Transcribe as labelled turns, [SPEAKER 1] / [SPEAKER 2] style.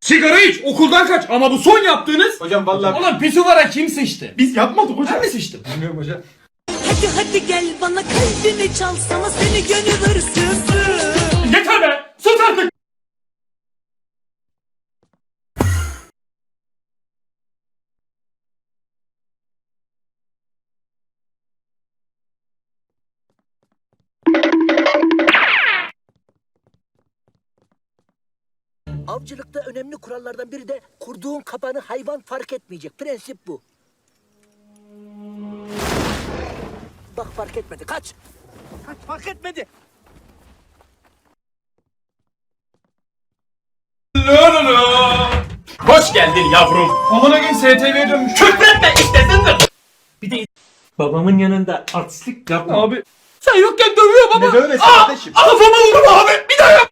[SPEAKER 1] Sigara iç, okuldan kaç. Ama bu son yaptığınız...
[SPEAKER 2] Hocam vallahi
[SPEAKER 1] Ulan pisuvara kim sıçtı?
[SPEAKER 2] biz yapmadık hocam.
[SPEAKER 1] Ben mi sıçtım?
[SPEAKER 2] Bilmiyorum hocam.
[SPEAKER 3] Hadi hadi gel bana kalbimi çalsana seni gönül hırsızı.
[SPEAKER 1] Yeter be! Sus artık!
[SPEAKER 4] Avcılıkta önemli kurallardan biri de kurduğun kapanı hayvan fark etmeyecek. Prensip bu. Bak fark etmedi. Kaç. Kaç fark etmedi.
[SPEAKER 1] Hoş geldin yavrum.
[SPEAKER 2] Amına gün STV'ye dönmüş.
[SPEAKER 1] Küfretme istesindir.
[SPEAKER 5] Bir de babamın yanında artistlik yapma.
[SPEAKER 2] Abi
[SPEAKER 1] Sen yokken dövüyor baba.
[SPEAKER 2] ne böylesi kardeşim?
[SPEAKER 1] Kafama vurdum abi.